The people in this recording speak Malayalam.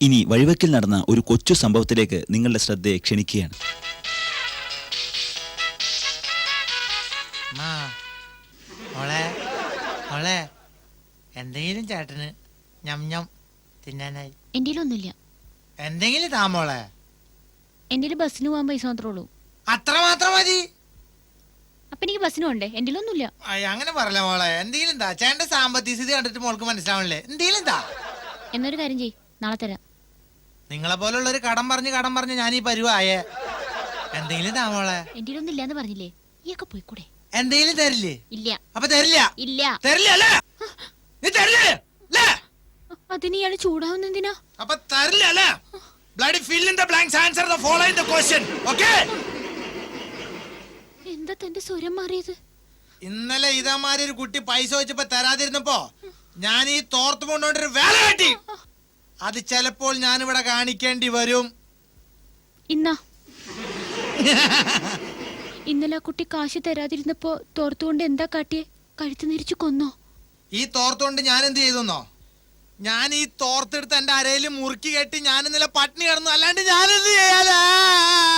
ഇനി വഴിവെക്കിൽ നടന്ന ഒരു കൊച്ചു സംഭവത്തിലേക്ക് നിങ്ങളുടെ ശ്രദ്ധയെ ക്ഷണിക്കുകയാണ്. എന്തെങ്കിലും ചേട്ടന് ഞം ഞം തിന്നാനായി? എന്റെയിലൊന്നുമില്ല. എന്തെങ്കിലും താമോളെ. എന്റെ ബസ്സിന് പോകാൻ പൈസ മാത്രമേ ഉള്ളൂ. അത്ര മാത്രം മതി. അപ്പൊ എനിക്ക് ബസ്സിന് പോണ്ടേ? എന്റെയിലൊന്നുമില്ല. അങ്ങനെ പറയല മോളെ. എന്തെങ്കിലും താ. ചേട്ടന്റെ സാമ്പത്തിക സ്ഥിതി കണ്ടിട്ട് മോൾക്ക് മനസ്സിലാവണല്ലേ. എന്തെങ്കിലും താ. എന്നൊരു കാര്യം ചെയ്, നാളെ തരാം. നിങ്ങളെ പോലുള്ളൊരു കടം പറഞ്ഞ് ഞാൻ ഈ പരുവായേ. എന്തെങ്കിലും താ മോളെ. എന്റെയിലൊന്നും ഇല്ലാന്ന് പറഞ്ഞില്ലേ? ഈയൊക്കെ പോയിക്കൂടെ? എന്തെങ്കിലും തരില്ലേ? ഇല്ല. അപ്പൊ തരില്ല? ഇല്ല. തരില്ല അല്ലേ? നീ തരില്ലേ? അതിന് ഇയാള് ചൂടാവുന്ന എന്തിനാ? അപ്പൊ തരില്ല അല്ലേ? Bloody fill in the blanks, answer the following the question. Okay? എന്താ തന്റെ സ്വരം മാറിയത്? ഇന്നലെ ഇതേമാതിരി ഒരു കുട്ടി പൈസ വെച്ചപ്പോ തരാതിരുന്നപ്പോ ഞാൻ ഈ തോർത്ത് കൊണ്ടൊരു വേല കെട്ടി. അത് ചിലപ്പോൾ ഞാനിവിടെ കാണിക്കേണ്ടി വരും. ഇന്നാ ഇന്നലെ ആ കുട്ടി കാശ് തരാതിരുന്നപ്പോ തോർത്തുകൊണ്ട് എന്താ കാട്ടിയേ? കഴുത്ത് നിരിച്ചു കൊന്നോ? ഈ തോർത്തുകൊണ്ട് ഞാൻ എന്ത് ചെയ്തെന്നോ? ഞാൻ ഈ തോർത്തെടുത്ത് എന്റെ അരയിൽ മുറുക്കി കെട്ടി ഞാൻ ഇന്നലെ പട്ടിണി കിടന്നു. അല്ലാണ്ട് ഞാനെന്ത് ചെയ്യാനാ?